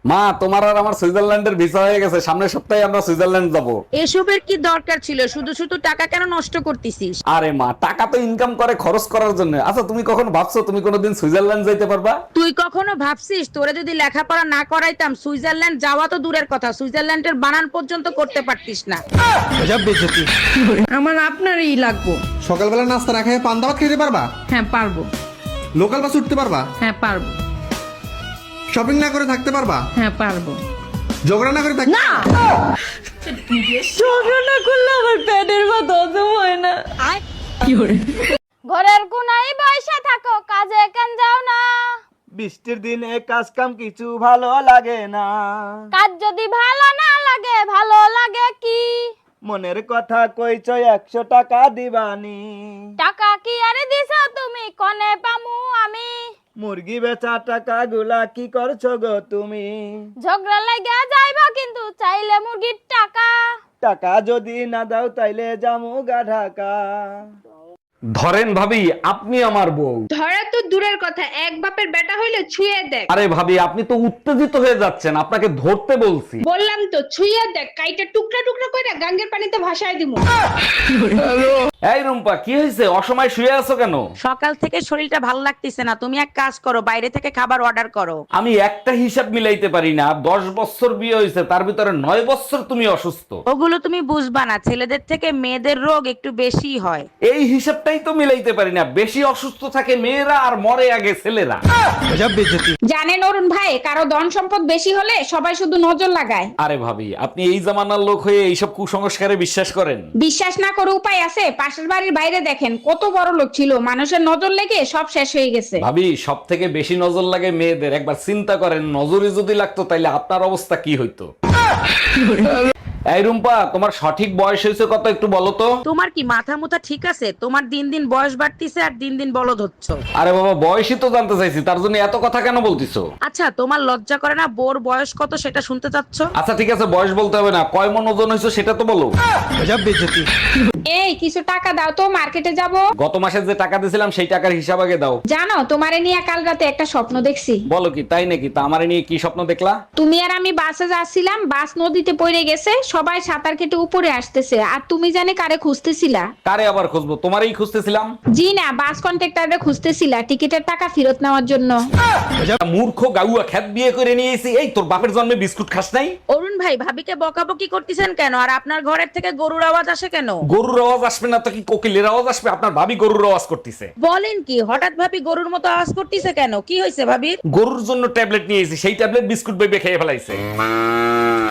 মা, তোমার আর আমার সুইজারল্যান্ডের ভিসা হয়ে গেছে, সামনের সপ্তাহে আমরা সুইজারল্যান্ড যাব। এসবের কি দরকার ছিল? শুধু শুধু টাকা কেন নষ্ট করতেছিস? আরে মা, টাকা তো ইনকাম করে খরচ করার জন্য। আচ্ছা, তুমি কখন ভাবছো তুমি কোনোদিন সুইজারল্যান্ড যাইতে পারবা? তুই কখনো ভাবছিস তোরে যদি লেখাপড়া না করাইতাম সুইজারল্যান্ড যাওয়া তো দূরের কথা, সুইজারল্যান্ডের বানান পর্যন্ত করতে পারতিস না। আমার আপনারই লাগবো। সকালবেলা নাস্তা না খেয়ে পান্তা ভাত খেতে পারবা? হ্যাঁ পারবো। লোকাল বাস উঠতে পারবা? হ্যাঁ পারবো। শপিং না করে থাকতে পারবা? হ্যাঁ পারবো। ঝগড়া না করে থাকতে? ঝগড়া করলে আমার পেটের ব্যথা হজম হয় না। ঘরের কোনায় বসে থাকো, কাজে কেন যাও না? বৃষ্টির দিনে কাজ কাম কিছু ভালো লাগে না। কাজ যদি ভালো না লাগে, ভালো লাগে কি? মনের কথা কইছ 100 টাকা দিবানি। টাকা কি আরে দিছো তুমি, কনে পামু আমি? মুরগি বেচা টাকা গুলা কি করছো গো তুমি? ঝগড়া লাগা যাইবা কিন্তু চাইলে মুরগির টাকা। টাকা যদি না দাও তাইলে জামু গা ঢাকা। ধরেন ভাবি, আপনি আমার বউ। ধরা তো দূরের কথা, এক বাপের বেটা হইলে ছুঁয়ে দেখ। আরে ভাবি, আপনি তো উত্তেজিত হয়ে যাচ্ছেন, আপনাকে ধরতে বলছি। বললাম তো ছুঁয়ে দেখ, কাইটা টুকরা টুকরা করে গাঙ্গের পানিতে ভাসায় দিমু। এই রুম্পা, কি হয়েছে? অসময় শুয়ে আছো কেন? সকাল থেকে শরীরটা ভালো লাগতেছে না, তুমি এক কাজ করো, বাইরে থেকে খাবার অর্ডার করো। আমি একটা হিসাব মিলাইতে পারি না। 10 বছর বিয়ে হয়েছে, তার ভিতরে 9 বছর তুমি অসুস্থ। ওগুলো তুমি বুঝবা না, ছেলেদের থেকে মেয়েদের রোগ একটু বেশি হয়। এই হিসাবটাই তো মিলাইতে পারি না। বেশি অসুস্থ থাকে মেয়েরা আর মরে আগে ছেলেরা। জানেন অরুণ ভাই, কারো ধন সম্পদ বেশি হলে সবাই শুধু নজর লাগায়। আরে ভাবি, আপনি এই জামানার লোক হয়ে এইসব কুসংস্কারে বিশ্বাস করেন? বিশ্বাস না করে উপায় আছে? পাশের বাড়ির বাইরে দেখেন কত বড় লোক ছিল, মানুষের নজর লেগে সব শেষ হয়ে গেছে। ভাবি, সব থেকে বেশি নজর লাগে মেয়েদের। একবার চিন্তা করেন, নজরে যদি লাগতো তাইলে আপনার অবস্থা কি হইতো? এই রুম্পা, তোমার সঠিক বয়স হয়েছে কত একটু বলো তো? তোমার কি মাথা মুথা ঠিক আছে? তোমার দিন দিন বয়স বাড়তিছে আর দিন দিন বলদ হচ্ছ। আরে বাবা, বয়সই তো জানতে চাইছি, তার জন্য এত কথা কেন বলতিছো? আচ্ছা, তোমার লজ্জা করে না বোর বয়স কত সেটা শুনতে চাচ্ছ? আচ্ছা ঠিক আছে, বয়স বলতে হবে না, কয় মন ওজন হয়েছে সেটা তো বলো। এই কিছু টাকা দাও তো, মার্কেটে যাব। গত মাসে যে টাকা দিয়েছিলাম সেই টাকার হিসাব আগে দাও। জানো, তোমারে নিয়ে কাল রাতে একটা স্বপ্ন দেখছি। বলো কি, তাই নাকি? তা আমারে নিয়ে কি স্বপ্ন দেখলা? তুমি আর আমি বাসে যাচ্ছিলাম, বাস নদীতে পড়ে গেছে, সবাই সাঁতার কেটে উপরে আসতেছে, আর তুমি জানে কারে খুঁজতেছিলা? কারে আবার খুঁজবো? তোমারই খুঁজতেছিলাম। জি না, বাস কন্ট্রাক্টরে খুঁজতেছিলা টিকিটের টাকা ফেরত নেওয়ার জন্য। মূর্খ গাউয়া খ্যাত বিয়ে করে নিয়েছি। এই তোর বাপের জন্মে বিস্কুট খাস নাই? অরুণ ভাই, ভাবিকে বকাবকি করতেছেন কেন? আর আপনার ঘরের থেকে গরুর আওয়াজ আসে কেন? গরুর আওয়াজ আসবে না তো কি কোকিলের আওয়াজ আসবে? আপনার ভাবি গরুর আওয়াজ করতেছে। বলেন কি, হঠাৎ ভাবি গরুর মতো আওয়াজ করতেছে কেন? কি হয়েছে ভাবির? গরুর জন্য ট্যাবলেট নিয়েছি, সেই ট্যাবলেট বিস্কুট বেবে খেয়ে ফেলাইছে।